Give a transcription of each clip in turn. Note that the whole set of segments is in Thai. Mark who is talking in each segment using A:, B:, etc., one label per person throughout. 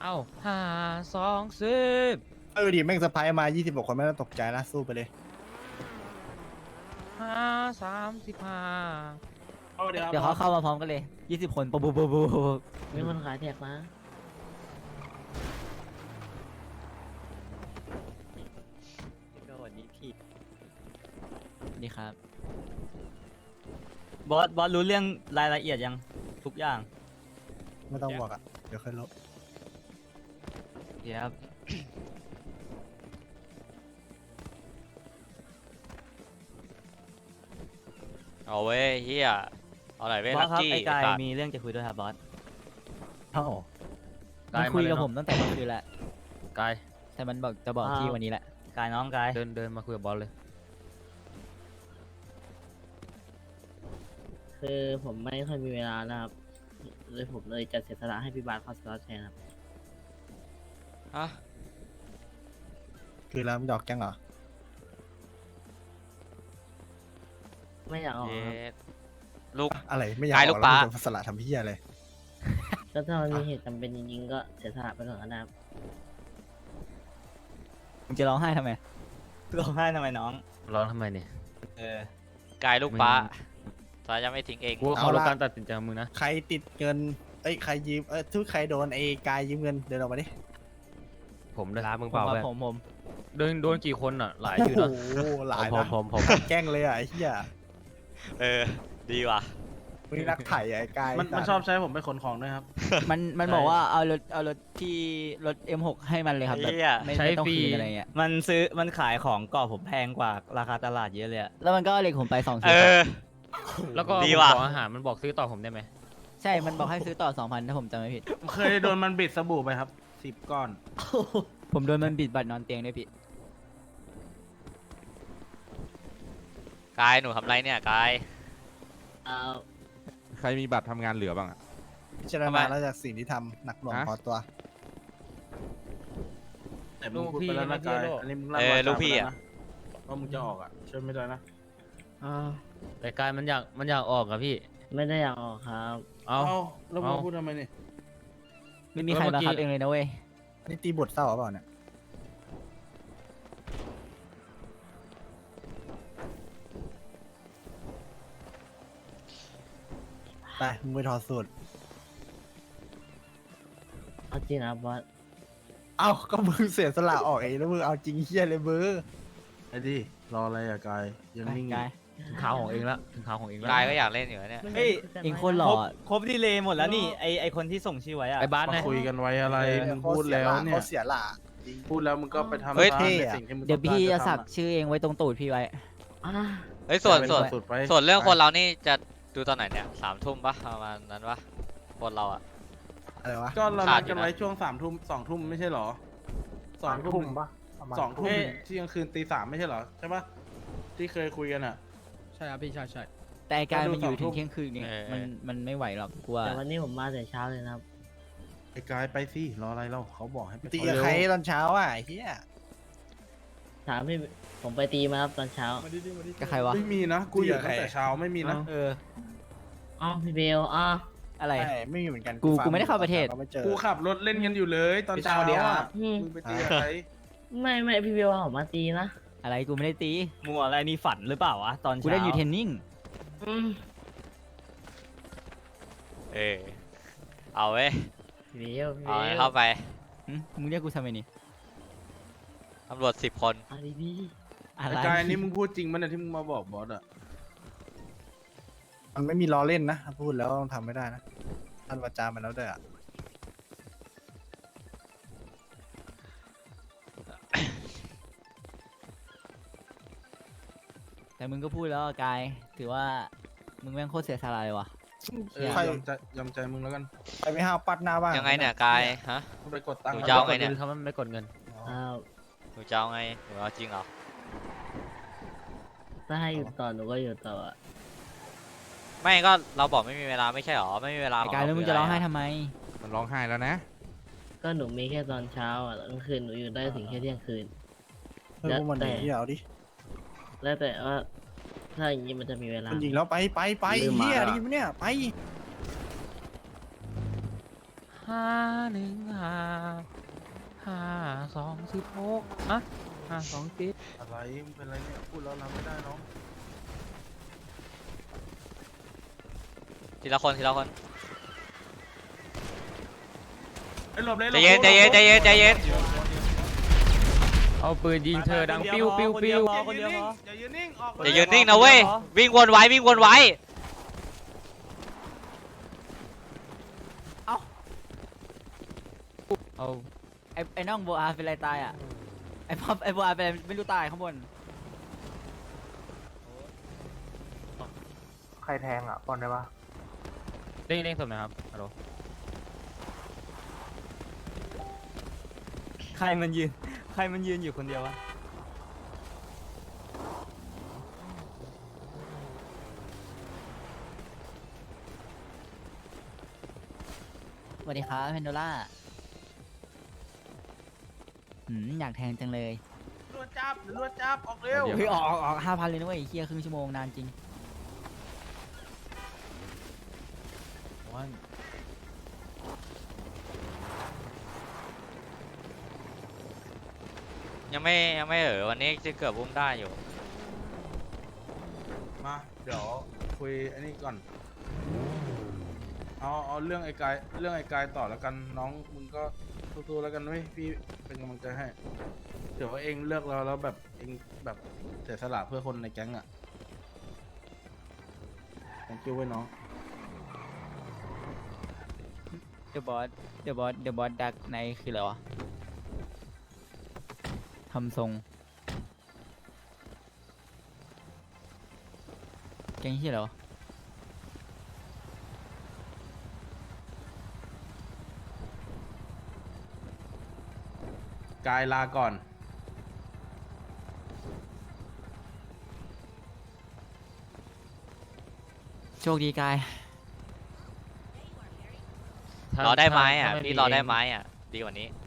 A: เอ้า5 2 10
B: ดิแม่งสะพายมา26คนไม่ต้องตกใจนะสู้ไปเลย
A: 5 35
C: เดี๋ยวเขาเข้ามาพร้อมกันเลย20 คนปุ๊บปุ๊บปุ๊บปุ๊บ
D: มีคนขายแท็กมา
C: ก็วันนี้พี่นี่ครับบอสรู้เรื่องรายละเอียดยังทุกอย่าง
B: ไม่ต้องบอกอ่ะเดี๋ยวค่อยลบ
C: เดี๋ยวครับ
E: เอาเว้ยเฮียเอาไหนเว้ย
C: บอ
E: ลั
C: ส
E: ก
C: ครับ
E: กี้
C: ไอ้กาย
E: สัตว์
C: มีเรื่องจะคุยด้วยครับบอส
B: เอ้า
C: มันคุยกับผมตั้งแต่เมื่อคืนแล้ว
A: กาย
C: แต่มันบอกจะบอกที่วันนี้แหละกายน้องกาย
A: เดินมาคุยกับบอสเลย
D: คือผมไม่ค่อยมีเวลานะครับเลยผมเลยจะเสียสละให้พี่บาสเข้าสล็อตแทนครับ
E: ฮะ
B: คือแล้วมันดอกแกงเหรอ
D: ไม่อยากออก
E: เย็
D: ครับ
E: ดลูก
B: อะไรไม่อยาก
E: ขาย
B: อ
E: ลู
B: อก
E: ก
B: แล้ว
E: ปลา
B: มึงจะสละทำเพี้ยอะไร
D: ก็ถ้ามันมีเหตุจำเป็นจริงๆก็เสียสละไปก่อนก็ได้ครับ
C: มึงจะร้องไห้ทำไมร้องไห้ทำไมน้อง
A: ร้องทำไมเนี่ย
C: เออ
E: กายลูกป้าสายยังไม่ทิ้งเอง
A: กูว่าเขารู้การตัดสินใจของมึงนะ
B: ใครติดเงินใครยืมทุกใครโดนกายยืมเงินเดินออกมาดิ
A: ผมด้วยมึง
C: ผ
A: เปล่าม
C: ครับ
A: เพื่อน
C: ผม
A: โดนกี่คนอ่ะหลายอยู่
B: โอ้
A: นะ
B: โหหลาย
A: ผ
B: นะ
A: ม
B: แกล้งเลยอ่ะไอ้เหี้ย
E: เออดีว่ะ
B: มึงนักไถ่ไอ้กาย
F: มันชอบใช้ผมไปขนของด้วยครับ
C: มันบอกว่าเอารถที่รถ M6 ให้มันเลยครับแบบ
E: เหี้ย
C: ไม่ต้องคืนอะไรเงี้ยมันขายของก่อผมแพงกว่าราคาตลาดเยอะเลยอะแล้วมันก็เอาเหล็กผมไป2
E: เอ
C: ชิ้น
E: อ
A: แล้วก็
E: ดี
A: ผม
E: ว่ะ
A: ขออาหารมันบอกซื้อต่อผมได้ไหม
C: ใช่มันบอกให้ซื้อต่อ 2,000ถ้าผมจำไม่ผิด
F: เคยโดนมันบิดสบู่ไปครับ10 ก้อน
C: ผมโดนมันบิดบัตรนอนเตียงด้วยพี่
E: กายหนูทำไรเนี่ยกาย
D: เอา
G: ใครมีบัตรทำงานเหลือบ้างอะ
B: พิจารณาแล้วจากสิ่งที่ทำหนักหน่วง
G: ฮะ
B: พอตัว
F: แต่มึงพูดไปแล้วนะกายอันนี้มึงลั่น
E: เออ
F: วาจา
E: ลูกพี่
F: ไป
E: อ่ะ
F: แล้วนะว่ามึงจะออกอ่ะช่วยไม่ได้นะ
D: เอา
A: แต่กายมันอยากออกอะพี่
D: ไม่ได้อยากออกครับ
A: เอา
F: แล้วมึงพูดทำไมเนี่ย
C: ไม่มีใครบังคับเองเลยนะเว้ย
B: นี่ตีบทเศร้าหรือเปล่าเนี่ยไปมึงไปถอดสูตร
D: เอาจริงนะครับบอส
B: เอ้าก็มึงเสียสละออกเองแล้วมึงเอาจริงเฮี้ยเลยเบอร์
F: ไอ้ดิรออะไรอ่ะกายยังนิ่งอยู่
C: กาย
A: ถึงข่าวของเองละถึงข่าวของเองละ
E: กายก็อยากเล่นอยู่นะเนี่ย
C: เฮ้ยเองคนหล่อครบดีเลยหมดแล้วนี่ไอคนที่ส่งชื่อไว้อะ
A: ไอ้บ้าน
F: มา
A: นะ
F: คุยกันไว้อะไรมึงพูดแล้วเนี่ย
B: เขาเสียหละจริง
F: พูดแล้วมึงก็ไปทำ
E: เฮ้ย
F: ตาม
B: เท่
F: ใน
B: อะ
F: สิ่งที่มึง
C: เดี๋ยวพี่จะ
F: ต้องการ
C: สักชื่อเองไว้ตรงตูดพี่ไว้
D: อ่า
E: เฮ้ยส่วน
F: เป็น
E: ส่วน
F: สุดไป
E: ส่วนเรื่องคนเรานี่จะดูตอนไหนเนี่ย3 ทุ่มปะประมาณนั้นปะคนเราอะ
B: อะไรวะ
F: ก็เรา
E: ขา
F: นั
E: ด
F: ด
E: อยู่
F: กัน
E: นะ
F: ไว้ช่วง2 ทุ่มไม่ใช่เหรอ2 ทุ่มปะ2 ทุ่มเที่ยงคืนตี 3ไม่ใช่เหรอใช่ปะที่เคยคุยกันอ่ะ
A: ใช่ครับพี่ใช่
C: แต่ไอ้กายมันอยู่
F: ก็ดู
C: ถึ
F: 2
C: งเที่ยงคืนเนี่ยมันไม่ไหวหรอกกลัว
D: แต่วันนี้ผมมาแต่เช้าเลยนะครับ
F: ไอ้กายไปสิรออะไรเราเขาบอกให้ไป
B: ตีกับใครตอนเช้าอ่ะไอ้เฮี้ย
D: ถามพี่ผมไปตีมาครับตอนเช้า
C: ก็ใครวะ
F: ไม่มีนะกูอยู่ตั้งแต่เช้าไม่มีนะ
C: เออ
D: อ๋อพี่เบลอ๋อ
C: อะไร
B: ใช่ไม่มีเหมือนกัน
C: กูไม่ได้เข้าประเทศ
B: ก็ไม่เจอ
F: กูขับรถเล่นกันอยู่เลยตอนเช้าอ่ะ
D: อืม
F: มึงไปตีกับใคร
D: ไม่พี่เบลเอาผมมาตีนะ
C: อะไรกูไม่ได้ตีมัวอะไรนี่ฝันหรือเปล่าวะตอนเช้ากูได้อยู่เทรนนิ่ง
D: อืม
E: เออเอาเว้ย
D: พี่เบลพี่
E: เอา
D: เบ
E: ให้
D: ล
E: เข้าไป
C: มึงเรียกกูทำไมนี่
E: ตำรวจ10 คน
D: เอาดี
C: อะไร
F: ไอ้กายอันนี้มึงพูดจริงมั้ยเนี่ยที่มึงมาบอกบอสอ่ะ
B: มันไม่มีล้อเล่นนะถ้าพูดแล้วต้องทำไม่ได้นะท่านวาจามันแล้วด้วยอ่ะ
C: แต่มึงก็พูดแล้วอะกายถือว่ามึงแม่งโคตรเสียสละเลยวะ
B: ใคร
F: ยอมใจมึงแล้วกัน
B: ใครไม่ห้าวปัดหน้าบ้าง
E: ยังไงเนี่ยกายฮะ
F: มึงไปกดตังค์
E: หนูจะเอาไงเนี่ย
A: เขาไม่กดเงิน
D: ๆอ้าว
E: หนูจะเอาไงหนูเอาจริงเหรอ
D: ถ้าให้อยู่ต่อหนูก็อยู่ต่ออะ
E: ไม่ก็เราบอกไม่มีเวลาไม่ใช่หรอไม่มีเวลา
C: ไอ้กาย
E: ข
C: แล้วมึง
E: คื
C: จะร้องไห้
E: ะ
C: ทำไม
G: มันร้องไห้แล้วนะ
D: ก็หนูมีแค่ตอนเช้าอ่ะกลางคืนหนูอยู่ได้ถึงแค่เที่ยงคืน
B: เฮ้ยพวกมันหนีที่เอาดิ
D: แล้วแต่ว่าถ้าอย่างนี้มันจะมีเวลา
B: มันยิงแล้วไป
D: ลืมมา
B: เฮี้ย
D: แล้ว
B: ดีมั้ยเนี่ยไป
A: 51552216อะ52
F: อะไรมึงเป็นไรเนี่ยพูดแล้วรับไม่ได้น้อง
E: ทีละคนทีละคน
F: ไอ้หลบเลย
E: ใจเย็นใจเย็นใจเย็นใจเย็น
A: เอาปืนยิงเธอดังปิ้วปิ้วปิ้ว
C: คนเดียวพอ
F: อย่ายืนนิ่งออก
E: อย่ายืนนิ่งนะเว้ยวิ่งวนไว้วิ่งวนไว้
A: เอา
C: ไอ้น้องโบอาเป็นไรตายอ่ะไอ้พ่อไอ้โบอาเป็นไม่รู้ตายข้างบน
H: ใครแทงอ่ะปอนได้ปะ
A: เร่งสมนะครับฮัลโหล
C: ใครมันยืนอยู่คนเดียววะ
D: สวัสดีครับเพนโดล่าอยากแทงจังเลย
F: รวดจับออกเร็ว
D: เฮ้ยออก5,000เลยนะเว้ยเฮียครึ่งชั่วโมงนานจริง
E: ยังไม่วันนี้จะเกือบอุ้มได้อยู่
F: มาเดี๋ยวคุยอันนี้ก่อนเอาเรื่องไอ้กายต่อแล้วกันน้องมึงก็สู้ๆแล้วกันเว้ยพี่เป็นกำลังใจให้เดี๋ยวว่าเองเลือกเราแล้วแบบเองแบบเสียสละเพื่อคนในแก๊งอ่ะ thank you เว้ยน้อง
C: เดอะบอสดักในคืออะไรวะทำทรงแกงที่อะไรวะ
F: กายลาก่อน
C: โชคดีกาย
E: รอได้ไหมอ่ะ
A: ถ้า
E: พี่
A: มี
E: รอได้ไหมอ่ะดีกว่านี้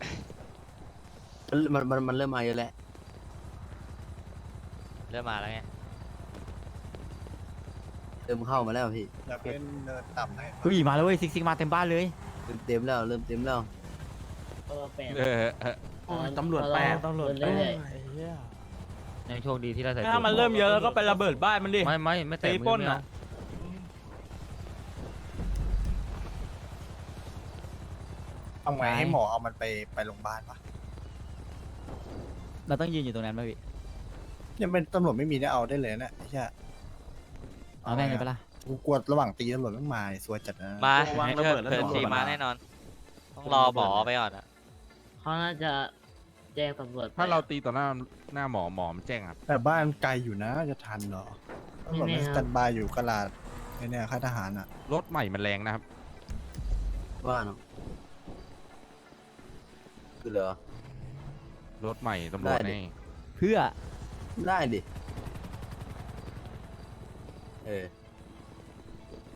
H: มันเริ่มมาเยอะแล้ว
E: เริ่มมาแล้วไง
H: เริ่มเข้ามาแล้วพี่
B: อยากเป็นเนินต่ำไหน
C: เฮ้ยมาแล้วเว้ยซิกมาเต็มบ้านเลย
H: เริ่มเต็มแล้วเริ่มเต็มแล้ว
D: แปด
G: เออ
F: โอ้ยตำรวจแปด
D: ตำรวจเรื่อย
A: ยังโชคดีที่เราใส่
C: ถ้ามันเริ่มเยอะแล้วก็ไประเบิดบ้านมันดิ
A: ไม่แตะ
C: ตี
A: มื
C: ปล้
A: อน ไม่
C: อะ
A: เอา
B: เอาไงให้หมอเอามันไปโรงพยาบาลปะ
C: เราต้องยืนอยู่ตรงนั้นป่ะพี่
B: ยังเป็นตำรวจไม่มีได้เอาได้เลยนะใช่
C: เอาแม่งเลยปะล่ะ
B: กูกลัวระหว่างตีตำรวจไม่มาสวยจัดนะ
E: มา
F: ระวังระเบิดแล้ว
E: เถิด
F: ตำรวจ
E: สี
F: มา
E: มาแน่นอน ต้องรอหมอไปก่อนอ่ะ
D: ๆเขาน่าจะแจ้งตำรวจไป
G: ถ้าเราตีต่อหน้าหมอมันแจ้งครับ
B: แต่บ้านไกลอยู่นะจะทันเหรอตำรวจไม่สแตนบายอยู่กลาดไอ้เนี่ยค่ายทหารอ่ะ
G: รถใหม่มันแรงนะครับ
H: ว่าเนาะคือเหรอ
G: รถใหม่ตำรวจ
H: ได้ดิ
G: นี่
C: เพื่อ
H: ได้ดิ เออ